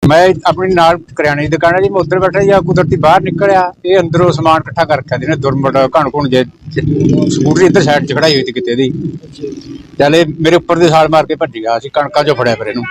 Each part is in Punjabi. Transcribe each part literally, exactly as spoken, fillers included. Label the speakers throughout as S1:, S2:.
S1: मैं अपनी नाल करियाने की दुकान है जी, मैं उधर बैठा या कुदरती बाहर निकलिया, ये अंदरों समान इकट्ठा कर रखा जिन्हें दुरमट घण घुण जे स्कूटरी इधर साइड च खड़ाई हुई थी किते दी, चल ये मेरे उपर दी छाल मार के भज गया। असीं कणकां चों फड़िया फिर इहनूं।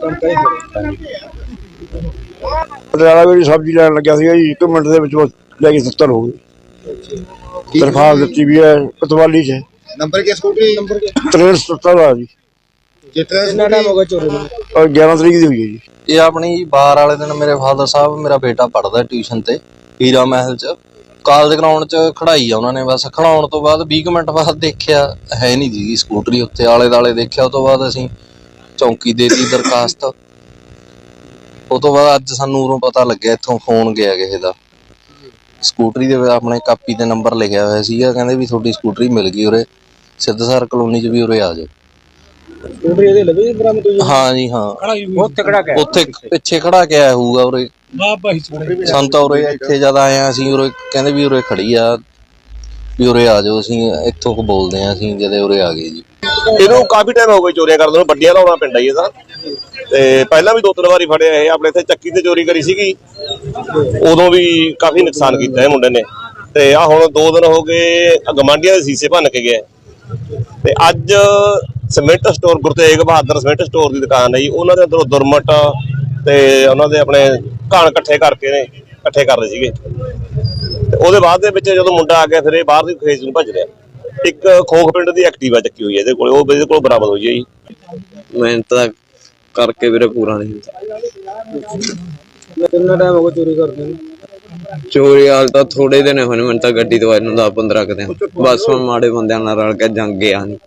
S2: पटियाला भी सब्जी लैन लग्या सीगा जी, एक मिनट दे विच ले के सत्तर हो गए। दरखास्त दित्ती भी है कोतवाली च।
S3: नंबर क्या स्कूटरी नंबर क्या
S2: त्रेहठ सत्तर ਦਾ ਜੀ।
S3: कितना टाइम हो गया चोरी में?
S2: और ग्यारह तरीक ਦੀ ਹੋਈ ਹੈ ਜੀ।
S4: ਇਹ ਆਪਣੀ ਬਾਰ ਵਾਲੇ ਦਿਨ ਮੇਰੇ ਫਾਦਰ ਸਾਹਿਬ, ਮੇਰਾ ਬੇਟਾ ਪੜ੍ਹਦਾ ਟਿਊਸ਼ਨ ਤੇ ਹੀਰਾ ਮਹਿਲ ਚ, ਕਾਲਜ ਗਰਾਊਂਡ ਚ ਖੜਾਈ ਆ ਉਹਨਾਂ ਨੇ। ਬਸ ਖੜਾਉਣ ਤੋਂ ਬਾਅਦ ਵੀਹ ਕੁ ਮਿੰਟ ਬਾਅਦ ਦੇਖਿਆ ਹੈ ਨਹੀਂ ਜੀ ਸਕੂਟਰੀ ਉੱਤੇ, ਆਲੇ ਦੁਆਲੇ ਦੇਖਿਆ। ਉਹ ਤੋਂ ਬਾਅਦ ਅਸੀਂ ਚੌਂਕੀ ਦੇ ਦਿੱਤੀ ਦਰਖਾਸਤ। ਉਹ ਤੋਂ ਬਾਅਦ ਅੱਜ ਸਾਨੂੰ ਉਰੋਂ ਪਤਾ ਲੱਗਿਆ, ਇੱਥੋਂ ਫੋਨ ਗਿਆ ਕਿਸੇ ਦਾ, ਸਕੂਟਰੀ ਦੇ ਆਪਣੇ ਕਾਪੀ ਤੇ ਨੰਬਰ ਲਿਖਿਆ ਹੋਇਆ ਸੀਗਾ, ਕਹਿੰਦੇ ਵੀ ਤੁਹਾਡੀ ਸਕੂਟਰੀ ਮਿਲ ਗਈ ਉਰੇ ਸਿੱਧਸਰ ਕਲੋਨੀ ਚ, ਵੀ ਉਰੇ ਆ ਜਾਓ।
S3: स्कूटरी ਇਹਦੇ ਲੱਭੀ ਬਰਾਮਦ ਹੋਈ?
S4: ਹਾਂ ਜੀ ਹਾਂ,
S1: ਉੱਥੇ ਖੜਾ ਕੇ
S4: ਉੱਥੇ ਪਿੱਛੇ ਖੜਾ ਕੇ ਆਇਆ ਹੋਊਗਾ ਉਰੇ। ਸਾਨੂੰ ਤਾਂ ਉਰੇ ਇੱਥੇ ਜਦ ਆਏ ਆ ਅਸੀਂ, ਉਰੇ ਕਹਿੰਦੇ ਵੀ ਉਰੇ ਖੜੀ ਆ, ਵੀ ਉਰੇ ਆ ਜਾਓ। ਅਸੀਂ ਇੱਥੋਂ ਕੋ ਬੋਲਦੇ ਆ, ਅਸੀਂ ਜਦੇ ਉਰੇ ਆ ਗਏ ਜੀ।
S5: ਇਹਨੂੰ ਕਾਫੀ ਟਾਈਮ ਹੋ ਗਿਆ ਚੋਰੀਆਂ ਕਰਦੇ ਨੂੰ, ਵੱਡੀਆਂ ਲਾਉਣਾ ਪਿੰਡ ਆਈ ਇਹਦਾ। ਤੇ ਪਹਿਲਾਂ ਵੀ ਦੋ ਤਿੰਨ ਵਾਰੀ ਫੜਿਆ ਇਹ। ਆਪਣੇ ਇੱਥੇ ਚੱਕੀ ਤੇ ਚੋਰੀ ਕਰੀ ਸੀਗੀ, ਉਦੋਂ ਵੀ ਕਾਫੀ ਨੁਕਸਾਨ ਕੀਤਾ ਇਹ ਮੁੰਡੇ ਨੇ। ਤੇ ਆ ਹੁਣ ਦੋ ਦਿਨ ਹੋ ਗਏ ਗਵਾਂਢੀਆਂ ਦੇ ਸੀਸੇ ਭੰਨ ਕੇ ਗਏ। ਤੇ ਅੱਜ cement store, Guru Tegh Bahadur cement store ਦੀ ਦੁਕਾਨ ਹੈ ਜੀ, ਉਹਨਾਂ ਦੇ ਅੰਦਰੋਂ ਦੁਰਮਟ ਤੇ ਉਹਨਾਂ ਦੇ ਆਪਣੇ ਘਾਣ ਇਕੱਠੇ ਕਰਕੇ ਨੇ ਇਕੱਠੇ ਕਰ ਰਹੇ ਸੀਗੇ। ਤੇ ਉਹਦੇ ਬਾਅਦ ਦੇ ਵਿੱਚ ਜਦੋਂ ਮੁੰਡਾ ਆ ਗਿਆ, ਫਿਰ ਇਹ ਬਾਹਰ ਦੀ ਖੇਤ ਨੂੰ ਭੱਜ ਰਿਹਾ। ਇੱਕ ਖੋਖ ਪਿੰਡ ਦੀ ਐਕਟਿਵਾ ਚੱਕੀ ਹੋਈ ਹੈ ਇਹਦੇ ਕੋਲ, ਉਹ ਇਹਦੇ ਕੋਲ ਬਰਾਮਦ ਹੋਈ ਹੈ ਜੀ।
S4: ਮਿਹਨਤ ਤਾਂ ਕਰਕੇ ਵੀਰੇ ਪੂਰਾ ਨਹੀਂ ਹੁੰਦਾ।
S3: ਕਿੰਨਾ ਟਾਈਮ ਹੋ ਗਿਆ ਚੋਰੀ ਕਰਦੇ ਨੂੰ?
S4: ਚੋਰੀ ਹਾਲ ਤਾਂ ਥੋੜੇ ਦਿਨ ਹੋਏ ਨੇ ਮੈਨੂੰ ਤਾਂ, ਗੱਡੀ ਦਵਾਈ ਨੂੰ ਦਸ ਪੰਦਰਾਂ ਕੁ ਦਿਨ। ਬਸ ਹੁਣ ਮਾੜੇ ਬੰਦਿਆਂ ਨਾਲ ਰਲ ਕੇ ਜੰਗ ਗਿਆ ਨਹੀਂ।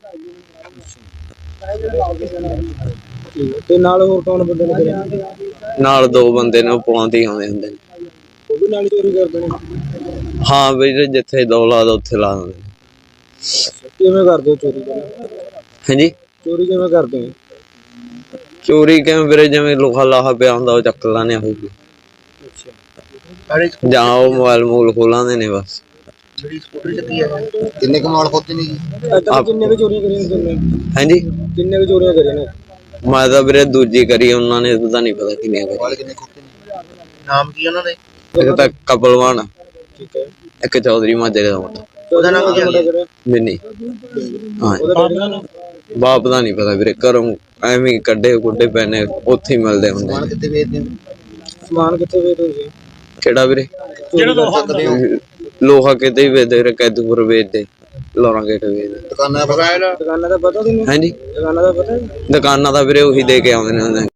S3: ਤੇ ਨਾਲ ਹੋਰ ਕੌਣ ਬੰਦੇ ਨੇ ਕਰਿਆ?
S4: ਨਾਲ ਦੋ ਬੰਦੇ ਨੇ, ਉਹ ਪੌਂਦੇ ਹੀ ਆਉਂਦੇ ਹੁੰਦੇ ਨੇ।
S3: ਉਹ ਵੀ ਨਾਲ ਚੋਰੀ ਕਰਦੇ ਨੇ?
S4: ਹਾਂ ਵੀਰੇ, ਜਿੱਥੇ ਦੋ ਲਾ ਦੋ ਉੱਥੇ ਲਾ ਦਿੰਦੇ।
S3: ਕਿਵੇਂ ਕਰਦੇ ਹੋ ਚੋਰੀ?
S4: ਹਾਂਜੀ,
S3: ਚੋਰੀ ਕਿਵੇਂ ਕਰਦੇ ਹੋ?
S4: ਚੋਰੀ ਕਿਵੇਂ ਵੀਰੇ, ਜਿਵੇਂ ਲੋਹਾ ਲਾਹਾ ਪਿਆ ਹੁੰਦਾ ਉਹ ਚੱਕ ਲਾਣੇ ਹੋਊਗੀ, ਜਾਂ ਉਹ ਮੋਬਾਈਲ ਮੂਲ ਖੋਲਾਂਦੇ ਨੇ ਬਸ।
S3: ਕਿੰਨੇ ਕਮਾਲ ਖੋਤੇ ਨੇ ਜੀ? ਕਿੰਨੇ ਕੁ ਚੋਰੀਆਂ ਕਰੀਆਂ ਨੇ?
S4: ਹਾਂਜੀ,
S3: ਕਿੰਨੇ ਕੁ ਚੋਰੀਆਂ ਕਰੀਆਂ ਨੇ?
S4: ਮੈਂ ਤਾਂ ਵੀਰੇ ਦੂਜੀ ਕਰੀ, ਉਹਨਾਂ ਨੇ ਪਤਾ ਨਹੀਂ ਪਤਾ ਕਿੰਨੀਆਂ ਕਰੀ।
S3: ਕਿੰਨੇ ਖੋਤੇ ਨੇ? ਨਾਮ ਕੀ ਉਹਨਾਂ ਦੇ?
S4: ਇੱਕ ਤਾਂ ਕਪਲਵਾਨ,
S3: ਠੀਕ ਹੈ।
S4: ਇੱਕ ਚੌਧਰੀ ਮਾਜਰੇ ਦਾ ਮੁੰਡਾ।
S3: ਉਹਦਾ ਨਾਮ ਕੀ ਹੈ?
S4: ਮਿੰਨੀ। ਹਾਂ,
S3: ਉਹਦਾ ਡੈਡੀ ਦਾ ਨਾਮ?
S4: ਬਾਪ ਦਾ ਨਹੀਂ ਪਤਾ ਵੀਰੇ, ਘਰੋਂ ਐਵੇਂ ਕੱਢੇ ਕੁੱਡੇ ਪੈਣੇ ਉੱਥੇ ਹੀ ਮਿਲਦੇ ਹੁੰਦੇ।
S3: ਸਮਾਨ ਕਿੱਥੇ ਵੇਚਦੇ ਹੋ? ਸਮਾਨ ਕਿੱਥੇ ਵੇਚਦੇ ਹੋ?
S4: ਕਿਹੜਾ ਵੀਰੇ?
S3: ਜਿਹੜਾ ਲੋਹਾ ਸਕਦੇ ਹੋ?
S4: ਲੋਹਾ ਕਿਤੇ ਹੀ ਵੇਚਦੇ ਵੀਰੇ, ਕੈਦੂਪੁਰ ਵੇਚਦੇ, ਲੋਰਾਂ ਗੇਟ ਵੇਚਦੇ।
S3: ਦੁਕਾਨਾਂ ਦਾ ਦੁਕਾਨਾਂ ਦਾ ਪਤਾ ਤੁਹਾਨੂੰ?
S4: ਹਾਂਜੀ,
S3: ਦੁਕਾਨਾਂ ਦਾ ਪਤਾ?
S4: ਦੁਕਾਨਾਂ ਦਾ ਵੀਰੇ ਉਹੀ ਦੇ ਕੇ ਆਉਂਦੇ ਨੇ।